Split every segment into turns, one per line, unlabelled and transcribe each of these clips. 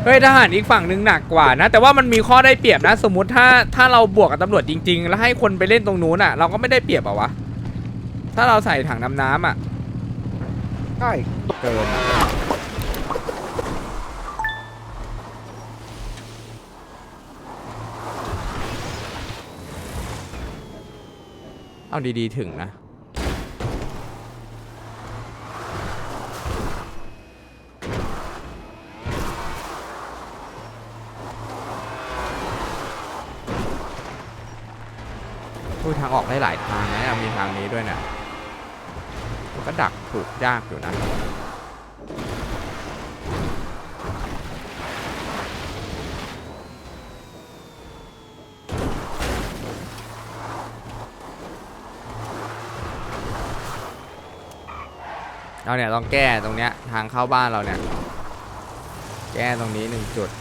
เฮ้ยทหารอีกฝั่งนึงหนักกว่านะแต่ว่ามันมีข้อได้เปรียบนะสมมุติถ้าเราบวกกับตำรวจจริงๆแล้วให้คนไปเล่นตรงนู้นอ่ะเราก็ไม่ได้เปรียบอ่ะวะถ้าเราใส่ถังน้ำอ่ะใช่เกินเอาดีๆถึงนะทางออกได้หลายทางนะมีทางนี้ด้วยนะมันก็ดักถูกยากอยู่นะเราเนี่ยต้องแก้ตรงเนี้ยทางเข้าบ้านเราเนี่ยแก้ตรงนี้1 จุด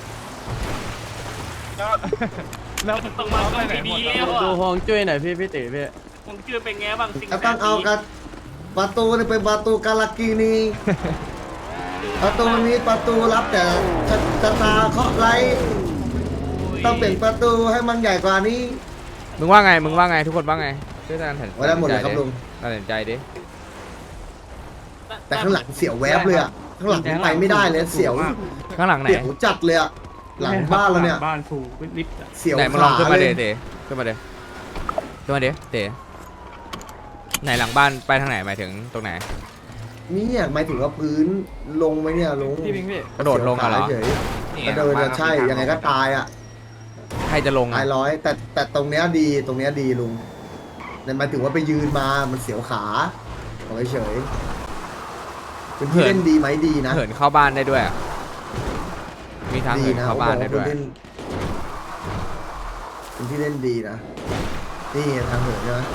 แล้วต้องมาไปไหนหมด
ดูฮวงจุ้ยหน่อยพี่ติพี่
ฮวงจุ้ยเป็นไงบ้างสิ่ง
ก็ต้องเอากันประตูนี่เป็นประตูกาลากีนีประตูนี้ประตูรับแต่ชะตาเคาะไรต้องเปลี่ยนประตูให้มันใหญ่กว่านี้
มึงว่าไงทุกคนว่าไงช่วยกันตัดสินใจ
ไว้ได้หมดเลยครับลุง
ตัดสินใจดิ
แต่ข้างหลังเสียวแวบเลยอ่ะข้างหลังไปไม่ได้เลยเสียว
ข้างหลังไหน
เสียวจัดเลยอ่ะหลังบ้านเราเนี่ย
บ้านฟูลิฟต์
เสียว
ไหนมึงลองขึ้นมา
เล
เด
ย
ขึ้นมาเดไหนหลังบ้านไปทางไหนหมายถึงตรงไหน
นี่เนี่ยหมายถึงว่าพื้นลงไหมเนี่ยลง
พี่พิงพี่
กระโดดลงอะเหรอ
เฉยๆกระโดดใช่ยังไงก็ตายอ่ะ
ใครจะลง
ตายร้อยแต่ตรงเนี้ยดีตรงเนี้ยดีลุงแต่หมายถึงว่าไปยืนมามันเสียวขาเอาเฉยๆเป็นที่เล่นดีไหมดีนะ
เหินเข้าบ้านได้ด้วยอะมีทาง
ดี
เหิน
นะ
เข้าบ้านได้ด้วย
เป็นที่เล่นดีนะนี่ทางเหินใช่ไหม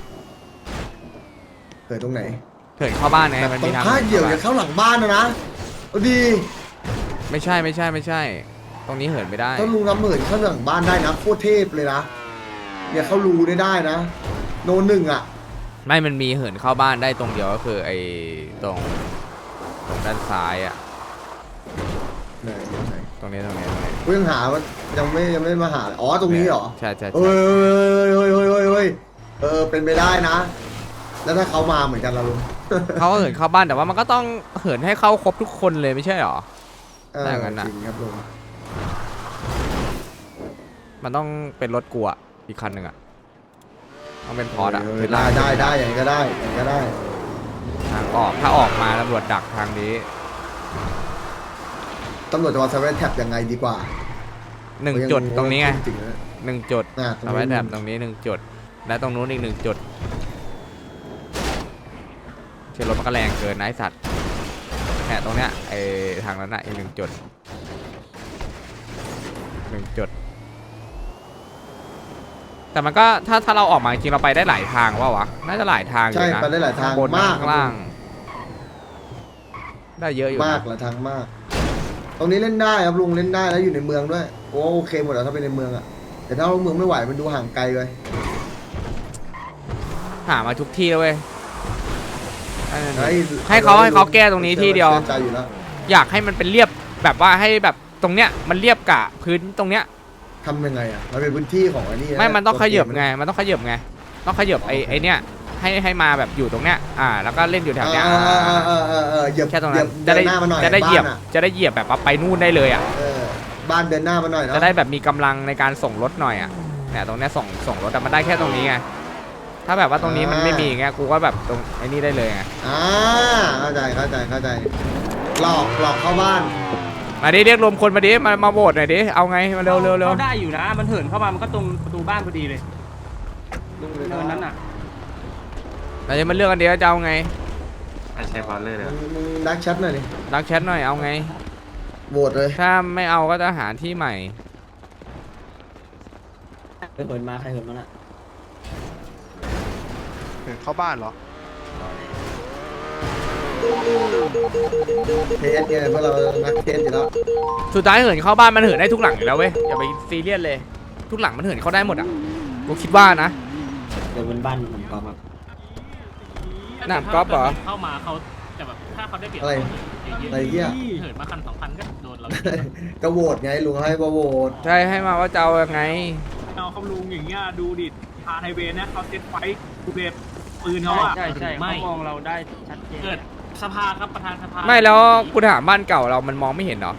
เหินตรงไหน
เหินเข้าบ้านไง
แบบ
มัน
ตร
มี
ง
ทาง
ท่าเหยี่ยวจะเข้าหลังบ้านนะเอาดี
ไม่ใช่ตรงนี้เหินไม่ได้
ถ้าลุงทำเหินเข้าหลังบ้านได้นะโคตรเทพเลยนะเนี่ยเขารูได้นะโนหนึ่งอ่ะ
ไม่มันมีเหินเข้าบ้านได้ตรงเดียวก็คือไอ้ตรงด้านซ้ายอ่ะ
ไหน
ตรงนี้
เพิ่งหาว่ายังไม่มาหาอ๋อตรงนี้เหรอ
ใช่
เฮ้ยเป็นไปได้นะ แล้วถ้าเขามาเหมือนกันเราลุง
เขาเหินเข้าบ้านแต่ว่ามันก็ต้องเหินให้เข้าครบทุกคนเลยไม่ใช่หรอ แต่งั้นน่ะ
จริงครับลุง
มันต้องเป็นรถกลัวอีกคันหนึ่งอ่ะต้องเป็นพอร์ตอ่ะ
ได้อย่างนี้ก็ได้
ทางออกถ้าออกมาตำรวจดักทางนี้
ตำรวจจะวางเซเว่นแท็บยังไงดีกว่า
1 จุดตรงนี้ไง
จริงๆนะ
1 จุด
ตรงนี้
เอาไว้แบบตรงนี้1 จุดและตรงนู้นอีก1 จุดเชื่อรถมันก็แรงเกินนะไอ้สัตว์เนี่ยตรงเนี้ยไอ้ทางนั้นน่ะอีก1 จุดแต่มันก็ถ้าเราออกมาจริงเราไปได้หลายทางวะน่าจะหลายทางอยู่
ใช่
นะ
ไปได้หลายทาง
บน
มาก
ข้างล่างได้เยอะอยู่
มาก
นะ
หลายทางมาก ตรงนี้เล่นได้ครับลุงเล่นได้แล้วอยู่ในเมืองด้วยโอเคหมดแล้วถ้าเป็นในเมืองอะแต่ถ้าเมืองไม่ไหวมันดูห่างไกลไป
หามาทุกที่แล้วเว้ยให้เขาแก้ตรงนี้ที่เดียว
ใจอยู่แล้ว
อยากให้มันเป็นเรียบแบบว่าให้แบบตรงเนี้ยมันเรียบกะพื้นตรงเนี้ย
ทำยังไงอ่ะมันเป็นพื้นที่ของไอ้นี่ะ
ไม่มันต้องขยับ
ตัวเกม
ไงต้องขยับไอ้เนี้ยให้มาแบบอยู่ตรงเนี้ยแล้วก็เล่นอยู่แถวเนี้ย
เหยียบ
แค่ตรงนั้น
เดินหน้ามาหน่อย
จะได้เหยียบ
บ้านอะ
จะได้เหยียบแบบว่าไปนู่นได้เลยอ่ะ
บ้านเดินหน้ามาหน่อยนะ
จะได้แบบมีกำลังในการส่งรถหน่อยอ่ะเนี่ยตรงเนี้ยส่งรถแต่มันได้แค่ตรงนี้ไงถ้าแบบว่าตรงนี้มันไม่มีไงกูก็แบบตรงไอ้นี่ได้เลยไง
เข้าใจหลอกเข้าบ้าน
มาดิเรียกรวมคนมาดิมาโหวตหน่อยดิเอาไงมาเร็ว
เขาได้อยู่นะมันเหินเข้ามามันก็ตรงประตูบ้านพอดีเลยเนินนั้นน่ะ
เราจะมาเลือกกันเดียวจะเอาไง
ใช้พอลเลอร์เลย
มึงดักชัดหน่อยดิ
รักแชทหน่อยเอาไง
โหวตเลย
ถ้าไม่เอาก็จะหาที่ใหม่
ใครเหินมาน่ะ
เข้าบ้านเหรอ
เทสไงเพราะเรานักเทสอยู่แล้ว
สุดท้ายเหินเข้าบ้านมันเหินได้ทุกหลังอยู่แล้วเว้ยอย่าไปซีเรียสเลยทุกหลังมันเหินเข้าได้หมดอ่ะกูคิดว่านะ
เดี๋ยวเป็นบ้านผมกอล์ฟครับ
หนามกอล์ฟเหรอ
เข้ามาเขา
แต่แบบถ้าเขาได้เปรียบ
อะไร
เยอะ
อะไรเงี้ย
ๆเหินมาคัน2,000ก็โดนเรา
ก็โหวตไงลุงให้มาโหวต
ใช่ให้มาว่าจะเอายังไง
เอาคำลุงอย่างเงี้ยดูดิทางไฮเวย์นะเขาเซ็ตไฟดูเบฟปืนเขาอะ
ใช่ใช่เขามองเราได้ชัดเจน
เกิดสภาครับประธานสภา
ไม่แล้วกูถามบ้านเก่าเรามันมองไม่เห็นเหรอ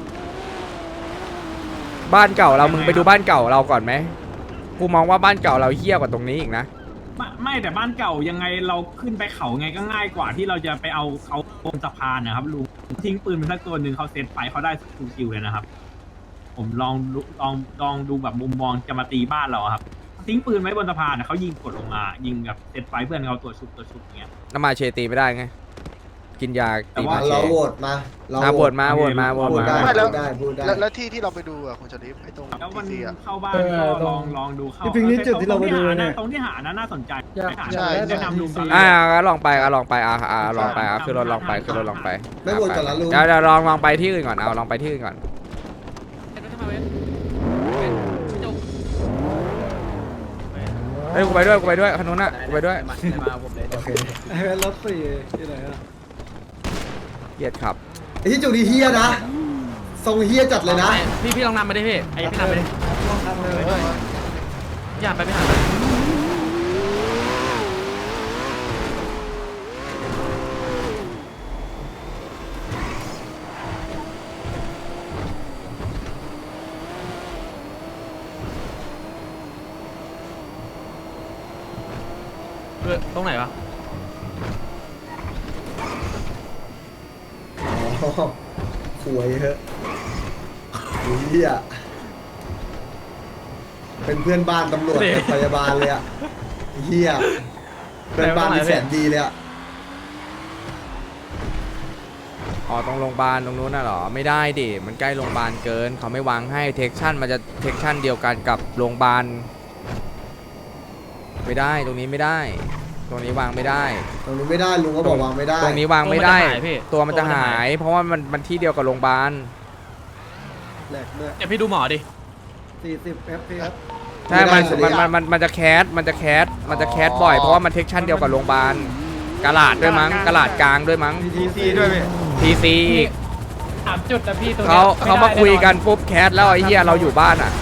บ้านเก่าเรามึงไปดูบ้านเก่าเราก่อนไหมกูมองว่าบ้านเก่าเราเหี้ยกว่าตรงนี้อีกนะ
ไม่แต่บ้านเก่ายังไงเราขึ้นไปเขาไงก็ง่ายกว่าที่เราจะไปเอาเขาบนสะพานนะครับลุงทิ้งปืนไปสักตัวหนึ่งเขาเซ็ตไฟเขาได้คิวเลยนะครับ ผมลองดูแบบมุมมองจะมาตีบ้านเราอะครับทิ้งปืนไว้บนสะพานนะเขายิงกดลงมา ยิงแบบเซ็ตไฟเพื่อนเขาตัวชุบอย่างเงี้ย
น้ำมาเชตีไม่ได้ไงกินยา
แต่
ตี
ว่า
มาเช
เราโหวตมา
โหวตมาโหวตมาโหวต
พูด
มา
ได้
ไม่แล้ว
พูดได้
แล้วที่ที่เราไปดูอ่ะคุณชลิฟไอ้ตรง
แล้วมัน
ทีอ่ะ
เข้าบ้านก็ลองดูเข้า
จริงๆนี่จุดที่เราไปดูเนี่ย
ตรงที่หานะน่าสนใจ
ใช่
แนะนำลุงตอน
ลองไปลองไปลองไปคือรถลองไปคือรถลองไป
ไม่โหวตก่อนละลุง
เดี๋ยวลองไปที่อื่นก่อนลองไปที่อื่นก่อนเฮ้ยกูไปด้วยคันนู้นน่ะกูไปด้วย
มาผมเลย
โอเค
รถสี่ที่ไหนอะ
เหยียดขับ
ไอ้ที่จุดดีเฮียนะทรงเฮียจัดเลยนะ
พี่ลองนำมาดิพี่ไอ้พี่นำไปดิอย่าไปไม่หัน ตรงไหนวะ
อ๋อหวยเถอะเฮียเป็นเพื่อนบ้านตำรวจเป็นพยาบาลเลยอะเฮียเพื่อนบ้านที่แสนดีเลยอะ
อ๋อตรงโรงพยาบาลตรงนู้นน่ะเหรอไม่ได้ดิมันใกล้โรงพยาบาลเกินเขาไม่วางให้เทคชั่นมันจะเทคชั่นเดียวกันกับโรงพยาบาลไม่ได้ตรงนี้ไม่ได้ ตรงนี้วางไม่ได้
ตรงนี้ไม่ได้ลุงก็บอกวางไม่ได้
ตรงนี้วางไม่ได้ ตัวมันจะหาย เพราะว่ามันที่เดียวกับโรงพยาบาล
แหลกด้วย
เดี๋ยวพี่ดูหมอดิ
40 fps
ใช่มันจะแคสมันจะแคสบ่อยเพราะว่ามันเทคชั่นเดียวกับโรงพยาบาลกะลาดด้วยมั้งกะลาดกลางด้วยมั้ง
TC ด้วยพี่
ทีซี
3 จุดนะพี่ตัว
เขามาคุยกันปุ๊บแคสแล้วไอ้เหี้ยเราอยู่บ้านอ่ะ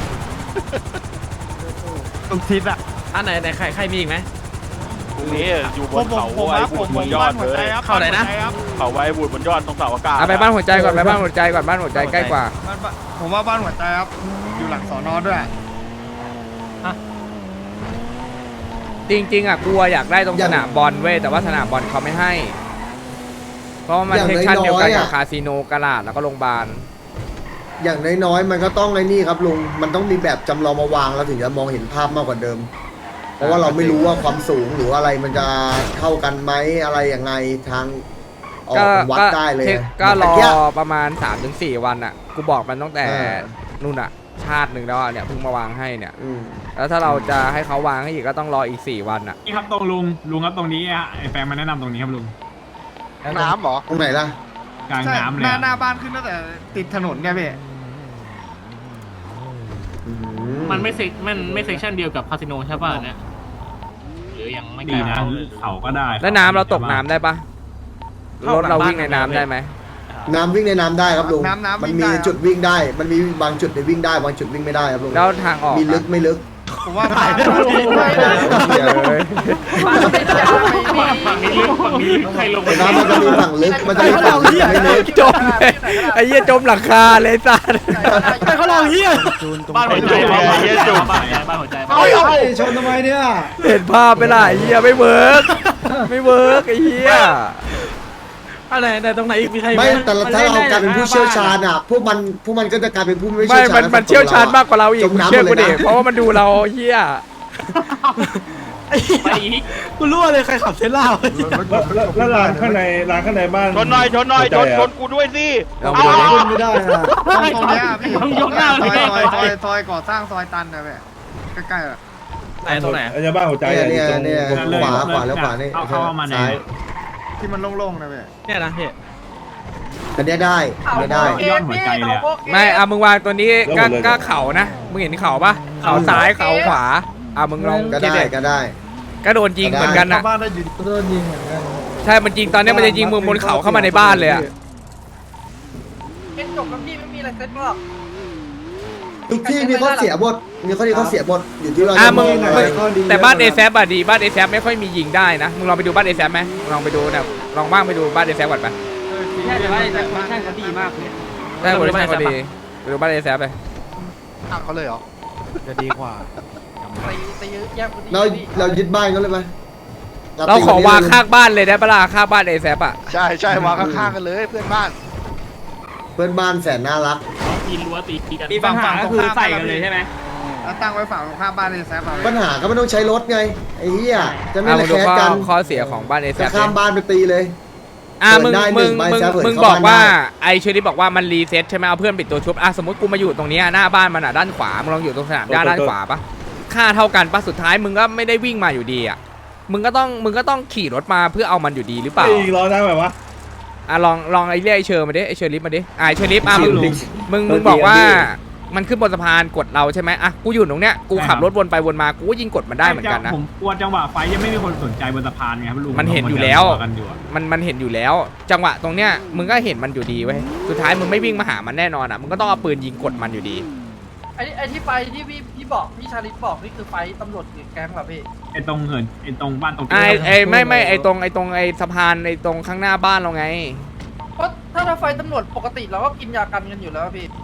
ตรงทิศอะ
อันไหนใครมีอีกไหม
ตรงนี้อยู่บนเขาไว้บุดบนยอดเลย
เข้าไหนนะ
เขาไว้บุดบนยอดตรงเสาอากาศ
เอาไปบ้านหัวใจก่อนบ้านหัวใจใกล้กว่า
ผมว่าบ้านหัวใจครับ อยู่หลังสอนอด้วย
จริงๆอ่ะกลัวอยากได้ตรงสนามบอลเว้ยแต่ว่าสนามบอลเขาไม่ให้ เพราะว่ามันเทคชั่นเดียวกันกับคาสิโนกะลาดแล้วก็โรงพยาบาล
อย่างน้อยๆมันก็ต้องไอ้นี่ครับลุงมันต้องมีแบบจำลองมาวางแล้วถึงจะมองเห็นภาพมากกว่าเดิม เพราะว่าเราไม่รู้ว่าความสูงหรืออะไรมันจะเท่ากันไหมอะไรยังไงทางออกวัดได้เลย
ก็รอ
เมื่กี้
ประมาณ 3-4 วันอ่ะกูบอกมันตั้งแต่
เออ
นู่นอ่ะชาติหนึ่งแล้วอะเนี่ยเพิ่งมาวางให้เนี่ย
อืม
แล้วถ้าเราจะให้เขาวางให้อีกก็ต้องรออีก4 วันอ่ะ
นี่ครับตรงลุงครับตรงนี้ฮะไอ้แฟงมาแนะนำตรงนี้ครับลุง
น้ำเหรอ
ตรงไหนล่ะ
กลางน้ำเลย
หน้าบ้านขึ้นตั้งแต่ติดถนนไงพี่
มันไม่เซกชันเดียวกับคาสิโนใช่ป่ะเนี่ยหรือยังไม่
ดีนะเขาก็ได้
แล้วน้ำเราตกน้ำได้ปะรถเราวิ่งในน้ำได้ไหม
น้ำวิ่งในน้ำได้ครับลุง
น้ำ
มัน
วิ่ง
มี
ได้
จุดวิ่งได้ มันมีบางจุดในวิ่งได้บางจุดวิ่งไม่ได้ครับลุง
แล้วทางออก
มีลึกไม่ลึก
ผมว่าบ้าน
เดี๋ยวเลย
ฝั่งนี้ลึกใครลงไป
น้ำมันจะมีฝั่งลึกมันจะมีฝั่งลึกไม่ลึก
จมเลยไอ้เหี้ยจมหลังคาเลยสัตว์
เขาลองเฮีย
บ้านหัวใจบ้านหัวใจ
ชนทำไมเนี่ย
เห็นภาพไปล่ะไอ้เหี้ยไม่เวิร์กไอ้เหี้ย
อะไรไหนตรงไหนอีกมีใคร
ไม่แต่ถ้าเรากลายเป็นผู้เชี่ยวชาญอ่ะพวกมันก็จะกลายเป็นผู้ไม่
ไม่
เชี่ยวชาญ
มันเชี่ยวชาญมากกว่าเราอีก
จมน้ำ
เชื่อ
หม
กู
ดเล
ดิ
ยนะ
เพราะว่ามันดูเราเหี้ย
ไปอีก
กูรู้เลยใครขับเซล่า
แล้วร้านข้างในบ้าน
ชนชนกูด้วยสิ
เรา
เอา
ดูดิ
ขึ้นไม่ได้นะ
ตรงนี้พี่ต้องยกหน้าเลย
ซอยก่อสร้างซอยตันนะพี่ใกล้ๆอ่ะ
ไหนตรงไหน
จะบ้านหัวใจ
เนี่ยขวาแล้วขวานี่
เข้ามาใน
ซ้าย
ที่มันโล่งๆนะพี่
เนี่ยนะพี่
อันเนี้ยได้อันเนี้ยได้
ยอดหัวใจเลย
ไม่เอามึงวางตัวนี้ก็เข่านะมึงเห็นเข่าปะเข่าซ้ายเข่าขวามึงลอง
ก็
คิด
ได้
ดิ
ก็ได้
ก็โดนยิงเหมือนกันนะ
บ้านได้ยินโดนยิงเหมือนกัน
ใช่มันยิงตอนเนี้ยมันจะยิงมึงบนเขาเข้ามาในบ้านเลยอะ
เอ็นจบแล้วพี่ไม่มีอะไรเซ็ตหรอก
ทุกที่มีข้อเสียหมดมีข้อดีข้อเสียหมดอยู่ที่เรา
อ่ะ
จะ
มึง
ไหน
แต่บ้านเอแซบอะดีบ้านเอแซบไม่ค่อยมียิงได้นะมึงลองไปดูบ้านเอแซบไหมมึงลองไปดูนะลองว่างไปดูบ้านเอแซบก่อนไป
ใช่แต่ว่าแต่ฟังก์ชันเขาดีมากเลย
ได้บริษัทพอดีไปดูบ้านเอแซบไป
ตั้งเขาเลยเหรอ
จะดีกว่า
ตีแยก
เรายึดบ้านเขาเลยไหม
เราขอวางข้างบ้านเลยได้ปะล่ะข้างบ้านเอแซบอะ
ใช่ใช่วางข้างๆกันเลยเพื่อนบ้าน
เพื่อนบ้านแสนน่ารัก
ปีนรั้วตีกัน
มีปัญหาก็คือใส่กันเลยใช่ไหม
แล้วตั้งไว้ฝั่งตรงข้ามบ้านในแซฟเอา
ปัญหาก็ไม่ต้องใช้รถไงไอ้เหี้ยจะไม่
เอา
ระ
มาดู
แคะ
ข้อ
กัน
ข้อเสียของบ้านเอแซ
จะ
บ
ข้ามบ้านไปตีเลย
มึง
เปิดได้หนึ่งใบแซฟเปิด
มึง
เข้า
บอกว่า
บ้านได้
ไอเชอรี่บอกว่ามันรีเซ็ตใช่ไหมเอาเพื่อนปิดตัวชุบอ่ะสมมติกูมาอยู่ตรงเนี้ยหน้าบ้านมันอ่ะด้านขวามึงลองอยู่ตรงสนามหญ้าด้านขวาปะค่าเท่ากันปะสุดท้ายมึงก็ไม่ได้วิ่งมาอยู่ดีอ่ะมึงก็ต้องขี่รถมาเพื่อเอามันอยู่ดีหรือเปล่า
อีกล้อได้แบบว่า
อ่ะลองไอเรียกไอเชอร์มาดิไอเชอร์ลิฟมาดิไอเชอร์ลิฟอ่ะมึงบอกว่ามันขึ้นบนสะพานกดเราใช่ไหมอ่ะกูอยู่ตรงเนี้ยกูขับรถวนไปวนมากูก็ยิงกดมันได้เหมือนกันนะ
ผมกลัวจังหวะไฟยังไม่มีคนสนใจบนสะพานไงครับลุง
มันเห็นอยู่แล้ว
กันอยู่อะ
มันเห็นอยู่แล้ว จังหวะตรงเนี้ยมึงก็เห็นมันอยู่ดีเว้ยสุดท้ายมึงไม่วิ่งมาหามันแน่นอนอ่ะมึงก็ต้องเอาปืนยิงกดมันอยู่ดี
ไอ้ที่ไฟที่พี่บอกพี่ชาลิตบอกนี่คือไฟตำรวจหรือแก๊งเหรอพี่
ไอ้ตรงเหินไอ้ตรงบ้านตรง
ไม่ไอตรงไอสะพานไอตรงข้างหน้าบ้านเราไง
เพราะถ้าไฟตำรวจปกติเราก็กินยากันกันอยู่แล้วพี่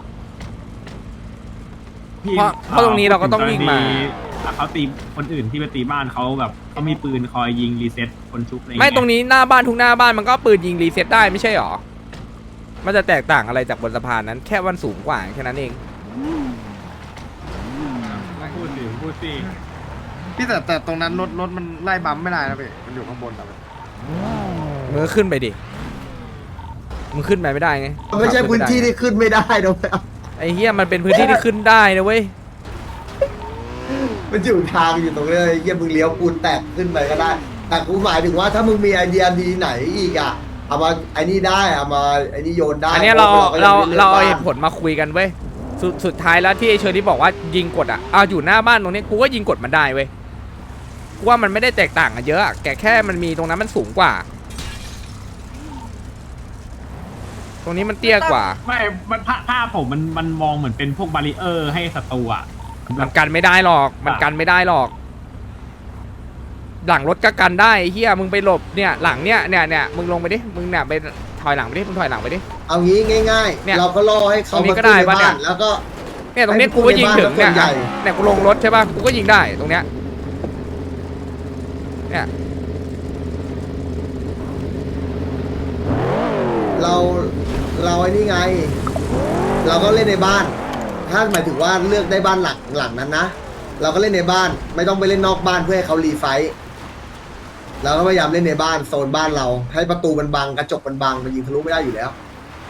พี่
เพราะตรงนี้เราก็ต้องวิ่งมา
เขาตีคนอื่นที่ไปตีบ้านเขาแบบเขามีปืนคอยยิงรีเซ็ตคนชุบอะไรอย่าง
ไม่
เงี้ย
ตรงนี้หน้าบ้านทุกหน้าบ้านมันก็ปืนยิงรีเซ็ตได้ไม่ใช่หรอมันจะแตกต่างอะไรจากบนสะพานนั้นแค่วันสูงกว่าแค่นั้นเอง
พูดสิ
พี่แต่ตรงนั้นรถมันไล่บัมไม่ได้นะพี่มันอยู่ข้างบนแต่
มึงก็ขึ้นไปดิมึงขึ้นไปไม่ได้ไง
มันไม่ใช่พื้นที่ที่ขึ้นไม่ได้นะ
ไอ้เหี้ยมันเป็นพื้นที่ที่ขึ้นได้นะเว้ย
มันอยู่ทางอยู่ตรงนี้เลยเยี่ยมึงเลี้ยวปูนแตกขึ้นไปก็ได้ แต่กูหมายถึงว่าถ้ามึงมีไอเดียดีไหนอีกอ่ะเอามาไอ้นี่ได้เอามาไอ้นี่โยนได้
อันเนี้ยเรา
ก็ยังไม่ลือก
เอา
บ้น
เหตุผลมาคุยกันเว้ยสุดท้ายแล้วที่ไอเชอร์ที่บอกว่ายิงกดอ่ะเอาอยู่หน้าบ้านตรงนี้กูก็ยิงกดมันได้เว้ยกูว่ามันไม่ได้แตกต่างกันเยอะอะแค่มันมีตรงนั้นมันสูงกว่า ตรงนี้มันเตี้ยกว่า
ไม่มันภาพผมมันมองเหมือนเป็นพวกบาริเออร์ให้ศัตรูอ่ะ
มันกันไม่ได้หรอก มันกันไม่ได้หรอก หลังรถก็กันได้ไอ้เฮียมึงไปหลบเนี่ยหลังเนี่ยมึงลงไปดิ มึงเนี่ยไปถอยหลังไปดิ มึงถอยหลังไปดิ
เอางี้ง่าย
เนี่ย
ๆ เราก็ล่อให้เขา
ตรงนี้
มา
ก็
ขึ้น
ได้
ใน
ปะเนี่ย
บ้านแล้วก็
เนี่ยตรงนี้กูก็ยิงถึงเนี่ย
ให้ผู้ใหญ่บ้าน
เนี่ยกูลงรถใช่ป่ะ กูก็ยิงได้ตรงเนี้ย เนี่ย
เราไอ้นี่ไง เราก็เล่นในบ้าน ถ้าหมายถึงว่าเลือกได้บ้านหลังนั้นนะ เราก็เล่นในบ้าน ไม่ต้องไปเล่นนอกบ้านเพื่อให้เขารีไฟท์เราก็พยายามเล่นในบ้านโซนบ้านเรา ให้ประตูมันบังกระจกมันบังมันยิงทะลุไม่ได้อยู่แล้ว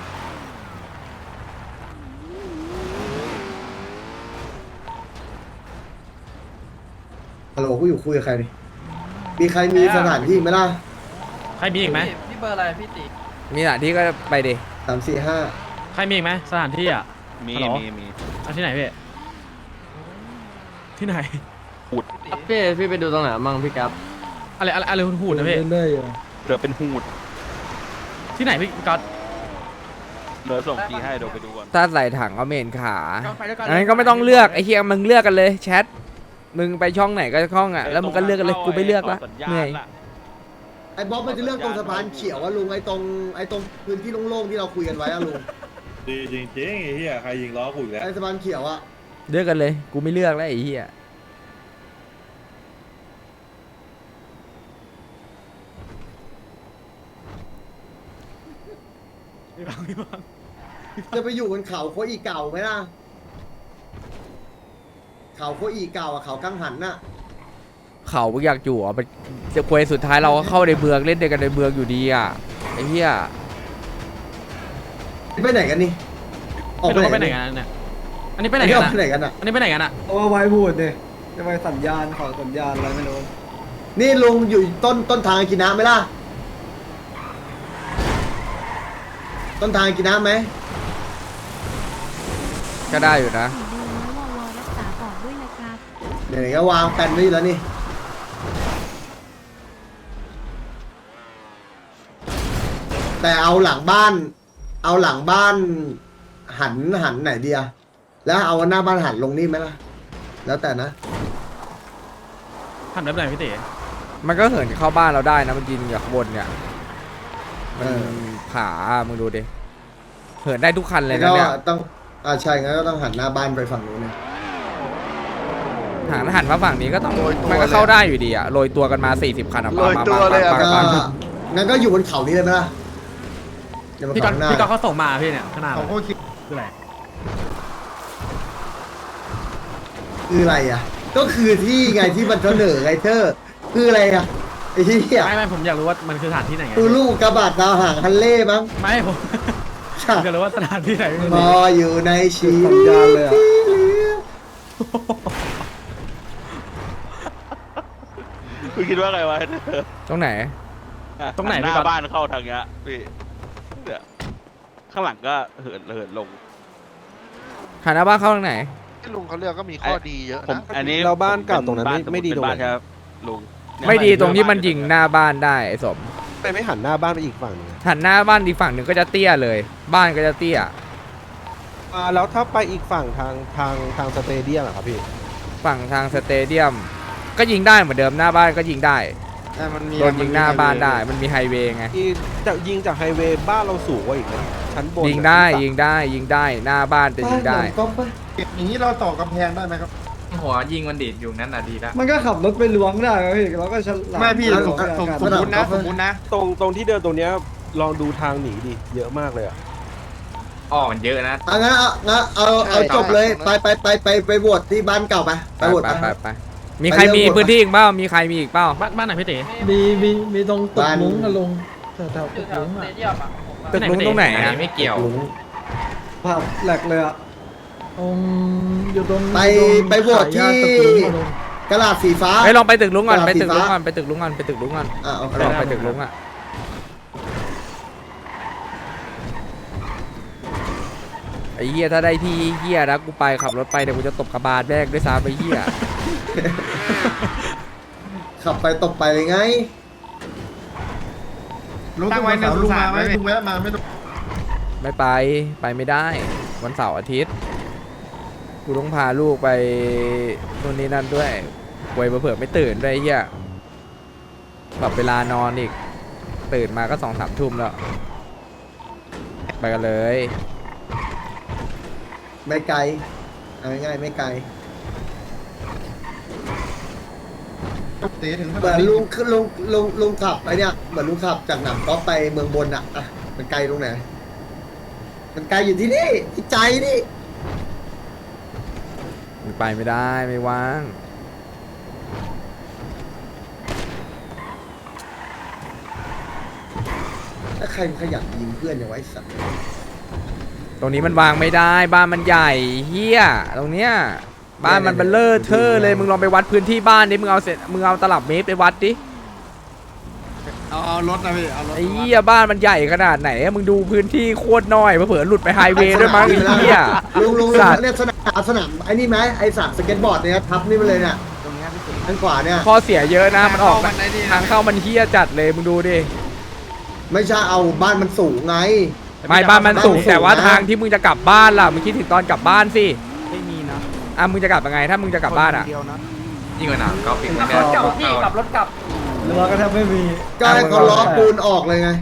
ฮัลโหลกูอยู่คุยกับใครดิมีใครมีสถานที่ไหมล่ะ
ใครมีอีกไหม
พี่เบอร์อะไรพี่ติ
มีหน้าที่ก็ไปดิ
3 4
ใครมีอีกไหมสถานที่อ่ะ
มี
ฮัลโหล
มี
เอาที่ไหนพี่ที่ไหน
พี่ไปดูตรงไหนมั่งพี่ครับ
อะไรหุ่นนะพี่
เหลือเป็นหูด
ที่ไหนพี่ก๊อต
เหลือส่งทีให้เดี๋ยวไปดูก่อน
ถ้าใส่ถังก็เมนขา
ไปด้วยกัน
อันนั้นก็ไม่ต้องเลือกไอ้เฮียมึงเลือกกันเลยแชท มึงไปช่องไหนก็ช่องอ่ะ แล้วมึงก็เลือกกันเลย กูไม่เลือกละเหนื่อย
ไอ้บ๊อบมันจะเลือกตรงสะพานเขียวอะลุงไอ้ตรงพื้นที่โล่งๆที่เราคุยกันไว้อะลุง
ดีจริงๆไอ้เหี้ยใครยิงล้อกูอีกแล้ว
ไอ้สะพานเขียวอะ
เลือกกันเลย กูไม่เลือกแล้วไอ้เฮีย
จะไปอยู่บนเขาโคอีเก่าไหมล่ะเขาโคอีเก่าอะเขากังหันน่ะ
เขาอยากอยู่อ่ะมันจะควยสุดท้ายเราก็เข้าในเมืองเล่นด้วยกันในเมืองอยู่ดีอ่ะไอ้เหี้ย
ไปไหนกันนี่ออก
ไม่
ไป
รู้
ไหน
ว่าไปไหน
กัน
กันเนี่ยอันนี้ไปไหน
นี่
กั
อน อก
อะ
ไปไหนกันอะ
อันนี้ไปไหนกันอะ
โอ้ไว้พูดเนี่ยจะไปสัญญาณขอสัญญาณอะไรไม่รู้
นี่ลุงอยู่ต้นทางกินน้ำไหมล่ะต้นทางกินน้ำไหม
ก็ได้อยู่นะ
รักษาปอดด้วยนะครับ
เดี๋ยวก็วางแปลนไว้อยู่แล้วนี่แต่เอาหลังบ้าน หันไหนดีอะแล้วเอาหน้าบ้านหันลงนี่ไหมล่ะ แล้วแต่นะ
ทำได้ไหนพี่เต๋
มันก็เหินเข้าบ้านเราได้นะมันยิงจากข้างบนเนี่ยมัน ผามึงดูดิเหินได้ทุกคันเลยนะ
ก็
เนี่ย
ต้องใช่งั้นก็ต้องหันหน้าบ้านไปฝั่งนู้นนะ
หันมาฝั่งนี้ก็ต้องมันก็เข้าได้อยู่ดีอะโรยตัวกันมา40คันอะ
โรยตัวเลยอะ
ปัง
ก็
ปัง
งั้นก็อยู่บนเขานี้เลยไหมล่ะอย่ามา
พี่ก๊อต
ข้างหน้า
พี่ก๊อตเขาส่งมาพี่เนี่ยขนาด
เขาก็คิด
คืออะไร
คืออะไรอ่ะ ก็คือที่ไงที่มันเสนอไงเธอคืออะไรอ่ะไอ้ที่
ไม่ผมอยากรู้ว่ามันคือสถานที่ไหนไง
คือลูกกระบาดดาวหางฮันเล่มั้ง
ไม่ผมอยากรู้ว่าสถานที่ไหน
พออยู่ในชี
สัญ
วิต
ญาณเลยอ่ะ
คุณคิดว่าไงวะ
ตรงไหน
ตรงไหน
ห
พี่
น้า
ก๊อต
บ้านเข้าทางเงี้ยพี่เนี่ยข้างหลังก็เหินลง
หันหน้าบ้านเข้าทางไหน
ที่ลุงเขาเลือกก็มีข้อดีเยอะ
ผม
นะ
อันนี้
เราบ้านเก่าตรงนั้นไม่ดีตรงไหน
เป็นบ้านครับลุงเนี่ย
ไม่ดีตรงที่มันยิงหน้าบ้านได้ไอ้สม
ไปไม่หันหน้าบ้านไปอีกฝั่งหนึงอะ
หันหน้าบ้านอีกฝั่งหนึ่งก็จะเตี้ยเลย บ้านก็จะเตี้ย
แล้วถ้าไปอีกฝั่งทางสเตเดียมอะครับพี่
ฝั่งทางสเตเดียม ก็ยิงได้เหมือนเดิมหน้าบ้านก็ยิงได้
มันมี
โดนยิงหน้าบ้านได้มันมีไฮเวย์ไง
จะยิงจากไฮเวย์บ้านเราสูงกว่าอีกนะชั้นบน
ยิงได้ยิงได้หน้าบ้านจะยิงได้
ก็ไป
อย่างนี้เราต่อกำแพงได้ไหมครับ
หัวยิงมันดีดอยู่นั่นน่ะดีละ
มันก็ขับรถไปล้วงได้ครับพี่เราก็ฉลาด
ไม่พี่
สมมตินะตรงที่เดินตรงเนี้ยลองดูทางหนีดิเยอะมากเลยอะ
อ๋อมันเยอะนะ
งั้นเอาจบเลยไปโหวตที่บ้านเก่าไปโหวต
ไปมีใครมีพื้นที่อีกเปล่ามีใครมีอีกเปล่า
บ้านไหนพี่เต๋
มีตรงตึกมุ้งอะลง
แถวสเตเดียมอ่ะผม
ตึกลุงตรงไหน
อัน
อะ
นี้ไม่เกี่ยว
ภาพแหลกเลยอะอยู่ตรง
ไปโหวตที่กระดาษสีฟ้า
ไปลองไปตึกลุงก่อน
กระดาษ
ไปตึกลุง
สี
ก่
ฟ้า
อนไปตึกลุงก่อนไปตึกลุงก่อน
โอเค
ลองไปตึกลุงอะไอ้เหี้ยถ้าได้ที่เหี้ยนะกูไปขับรถไปเดี๋ยวกูจะตบกระบาลแรกด้วยซ้ำไอ้เหี้ย
ขับไปตบไปเลยไง
ตั้งไว้ในสุสานไว้ลุงแวะมาไม่ต้อง
ไม่ไปไม่ได้วันเสาร์อาทิตย์กูต้องพาลูกไปนู่นนี่นั่นด้วยป่วยเผื่อๆไม่ตื่นด้วยไอ้เหี้ยแบบเวลานอนอีกตื่นมาก็2-3 ทุ่มแล้วไปกันเลย
ไม่ไกลเอาง่ายๆไม่ไกล
เตะถึง
เหมือนลุงขับไอเนี่ยเหมือนลุงขับจากหนำก๊อฟไปเมืองบนอ่ะมันไกลตรงไหนมันไกลอยู่ที่นี่ที่ใจนี่
ไปไม่ได้ไม่ว่าง
ถ้าใครขยันยิงเพื่อนอย่างไว้สัตว์
ตรงนี้มันวางไม่ได้บ้านมันใหญ่เฮียตรงเนี้ยบ้านมันเบลเลอร์เทอร์เลยมึงลองไปวัดพื้นที่บ้านดิมึงเอาตลับเมตรไปวัดดิ
เอารถนะพี่เอารถ
ไอ้เหี้ยบ้านมันใหญ่ขนาดไหนอะมึงดูพื้นที่โคตรน้อยเผื่อๆหลุดไปไฮเวย์ด้วยมั้งไอ้เหี้ย
ลุง
สัตว์
เนี่ยสนามไอ้นี่ไหมไอ้สระสเก็ตบอร์ดเนี่ยทับนี่มาเลยเนี่ยตรงนี้ทางขวาเนี่ย
ข้อเสียเยอะนะมันออกทางเข้ามันเหี้ยจัดเลยมึงดูดิ
ไม่ใช่เอาบ้านมันสูงไง
ไม่บ้านมันสูงแต่ว่าทางที่มึงจะกลับบ้านล่ะมึงคิดถึงตอนกลับบ้านสิ
ไม่มีนะ
มึงจะกลับยังไงถ้ามึงจะกลับบ้านอะ
เดียวนะ
ยิ่งกว่าหนังก็ปิด
ขับรถเก่าพี่ขับรถกลับ
เรือก็แทบไม่มี
ก็ให้เขาล้อปูนออกเลยไง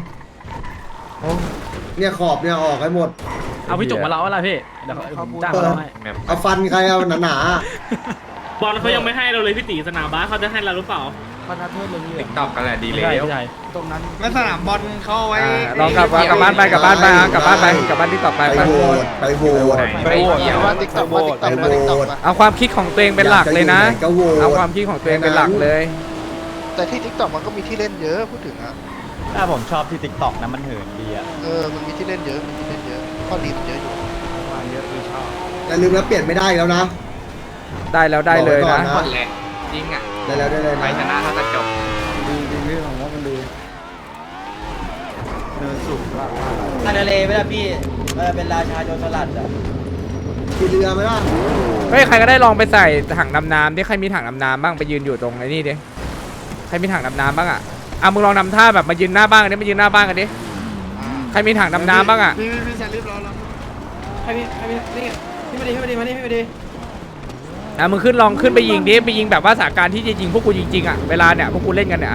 เนี่ยขอบเนี่ยออกให้หมด
เอาพี่จุกมาเล่าอะไรพี่เดี๋ยวผมจ้างมาเล่าให้
เอาฟันใครเอาหนา
บอลเขายังไม่ให้เราเลยพี่ตีสนามบ้านเขาจะให้เราหรือเปล่า ติ๊กต็อกกันแหละดีเลย
ใช่
ตรงนั้นไม่สนามบอลเข้าไว้
ลองกลับบ้านไปกลับบ้านที่ต่อไป
ไป
ไป
โหวตไปโหวต
ไม่เกี่ยว
ว่าติ๊กต็อกว่าติ๊กต็อกว่าติ๊กต็อก
เอาความคิดของตัวเองเป็นหลักเลยนะ
อยากจะอยู่ไหนก็โหวต
เอาความคิดของตัวเองเป็นหลักเลย
แต่ที่ติ๊กต็อกมันก็มีที่เล่นเยอะพูดถึงอ่ะ
ถ้าผมชอบที่ติ๊กต็อกนะมันเหินดีอ่ะ
มันมีที่เล่นเยอะมีที่เล่นเยอะข้อดีมันเยอะอยู่
มาเยอะคือชอบ
อย่าลืมแล้วเปลี่ยนไม่ได้แล้วนะ
ได้แล้วได้เลยนะ
หมดแหละจริงอ่ะ
ได้แล้วได้เลย
ไปช
นะ
นะเขาจะจบ
ดีเรื่องของว่ามันดีเนินสูงมาก
ทะเลไม่ได้พี่เป็นราชาโจรสลัดอ่ะ
ขี่เรือไหมล่ะ
เฮ้ยใครก็ได้ลองไปใส่ถังดำน้ำดิใครมีถังดำน้ำบ้างไปยืนอยู่ตรงไอ้นี่ดิใครมีถังดำน้ำบ้างอ่ะมึงลองทำท่าแบบมายืนหน้าบ้านกันดิมายืนหน้าบ้านกันดิรมีถังดำน้ำบ้างอ่ะ
พี่ชาลิฟรอ
ใครมีนี่พี่มาดีมานี่พี่มาดี
มึงลองขึ้นไปยิงดิไปยิงแบบว่าสถานการณ์ที่จะยิงพวกกูจริงๆอ่ะเวลาเนี่ยพวกกูเล่นกันเนี่ย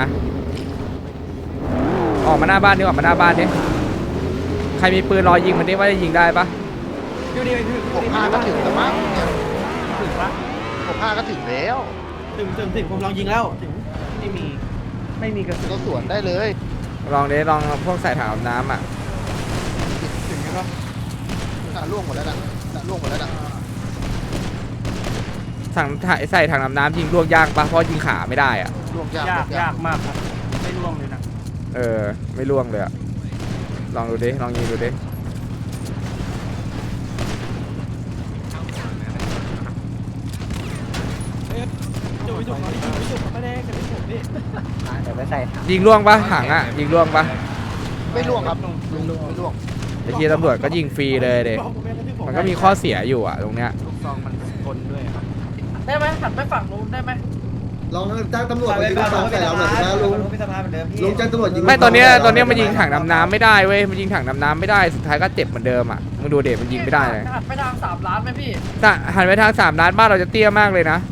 ออกมาหน้าบ้านดิออกมาหน้าบ้านดิใครมีปืนรอยิงมันดิว่าจะยิงได้ปะ
พี่มาดีพี่
65ก็ถึงแล้วมั้งเนี่ย
ถึงปะ
65ก็ถึงแล้ว
ถึงผมลองยิงแล้วถึงไม่มีกระสุน
เราสวนได้เลย
ลองดิลองพวกใส่ถังดำน้ำอ่ะ
ถึงใช่ปะล่วงหมดแล้วนะล่วงหมดแล้วนะ
ใส่ถังดำน้ำยิงลวกยากปะเพราะยิงขาไม่ได้อ่ะ
ล่วงยาก
ยากมากครับไม่ร่วงเลยนะ
ไม่ล่วงเลยอ่ะลองดูดิลองยิงดูดิยิงล่วงปะถังอ่ะยิงล่วงปะ
ไม่ล่วงครับไม่ล่วง
ไอ้ทีตำรวจก็ยิงฟรีเลยเด็มันก็มีข้อเสียอยู่อ่ะตรงเนี้ย
ลูกซองมันทนด้วยครับ
ได้ไหมหันไปฝั่งนู้นได้ไหม
ลองจ้างตำรวจมายิงลูกซองใส่เราหน่อยนะลุงลุงจ้างตำรวจยิง
ไม่ตอนเนี้ยมันยิงถังดำน้ำไม่ได้เว้ยมันยิงถังดำน้ำไม่ได้สุดท้ายก็เจ็บเหมือนเดิมอ่ะมึงดูเด็มันยิงไม่ได้เลย
หันไปทาง3 ล้านไหมพี่
ถ้าหันไปทาง3 ล้านบ้านเราจะเตี้ยมากเลยนะ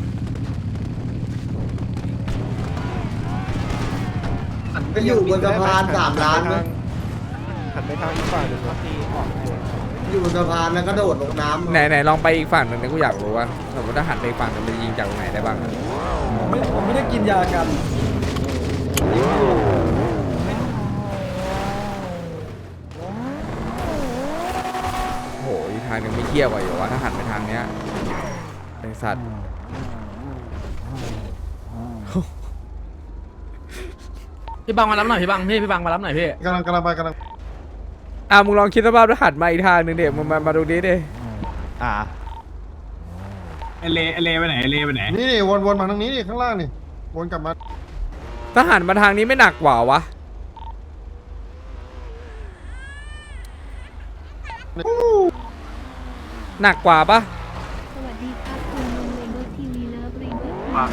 ไปอยู่บนสะพาน3 ล้านไหม
หันไปทางอีกฝั่งหนึ่ง
อยู่บนสะพานแล้วก็โดดลงน้ำ
ไหนลองไปอีกฝั่งหนึ่งนะกูอยากรู้ว่าสมมติถ้าหันไปอีกฝั่งมันจะยิงจากตรงไหนได้บ้างอะ
ผมไม่ได้กินยากัน
โอ้โหอีกทางหนึงไม่เกี่ยวกว่าอยู่วะถ้าหันไปทางเนี้ยเป็นสัตว์
พี่บังมารับหน่อยพี่บังพี่บังมารับหน่อยพี่
กำลังไปกำลัง
มึงลองคิดสภาพถ้าหันมาอีกทางหนึ่งเดี๋ยวมาดูนี้ดิ
เอเลไปไหนเอเลไปไหน
นี่วนมาทางนี้นี่ข้างล่างนี่วนกลับมา
ถ้าหันมาทางนี้ไม่หนักกว่าวะหนักกว่าปะ
สวัสดีครับคุณลุงเลโก้ทีวีเลิฟรีเบิร์ดครับ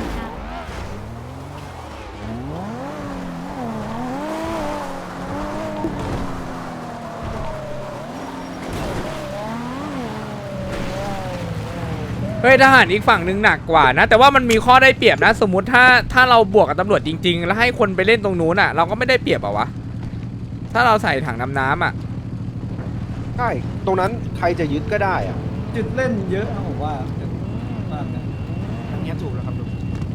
เฮ้ยทหารอีกฝั่งหนึ่งหนักกว่านะแต่ว่ามันมีข้อได้เปรียบนะสมมุติถ้าเราบวกกับตำรวจจริงๆแล้วให้คนไปเล่นตรงนู้นอ่ะเราก็ไม่ได้เปรียบอ่ะวะถ้าเราใส่ถังน้ำอ่ะ
ใช่ตรงนั้นใครจะยึดก็ได้อะ
จุดเล่นเยอะนะผมว่า
อันนี้ถูกแล้วครับลุง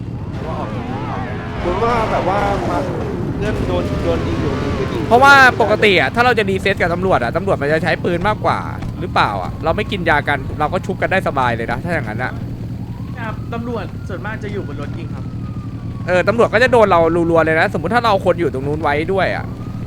เหมือนว่าแบบว่ามาเพื่อนโดนยิงอยู่ก็ยิง
เพราะว่าปกติอ่ะถ้าเราจะรีเซ็ตกับตำรวจอ่ะตำรวจมันจะใช้ปืนมากกว่าหรือเปล่าอ่ะเราไม่กินยากันเราก็ชุบกันได้สบายเลยนะถ้าอย่างนั้นอ่ะ
ครับตำรวจส่วนมากจะอยู่บนรถยิงครับ
ตำรวจก็จะโดนเรารัวๆเลยนะสมมุติถ้าเราคนอยู่ตรงนู้นไว้ด้วยอ่ะ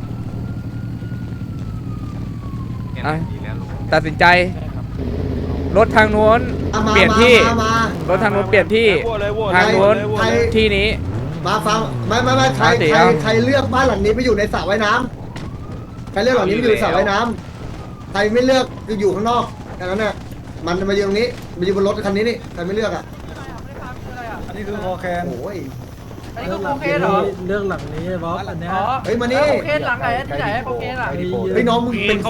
ตัดสินใจรถทางนู้นเปลี่ยนที่รถทางนู้นเปลี่ยนที่ทางนู้นที่นี้
มาฟังไม่ใครเลือกบ้านหลังนี้ไปอยู่ในสระว่ายน้ำใครเลือกหลังนี้ไปอยู่ในสระว่ายน้ำใครไม่เลือกก็อยู่ข้างนอกแค่นั้นน่ะมันมาอยู่ตรงนี้มาอยู่บนรถคันนี้นี่ใครไม่เลือกอ่ะ
อันนี้คือโอเค
โอ้ย
อันนี้ก็โอเคเหรอ
เรื่องหลังนี้บอสอันเนี้ย
อ๋อ
เฮ้ยมานี่
โอเคหลังไหนที่ไหนโอเคหลัง
เฮ้ยน้องมึงเป็น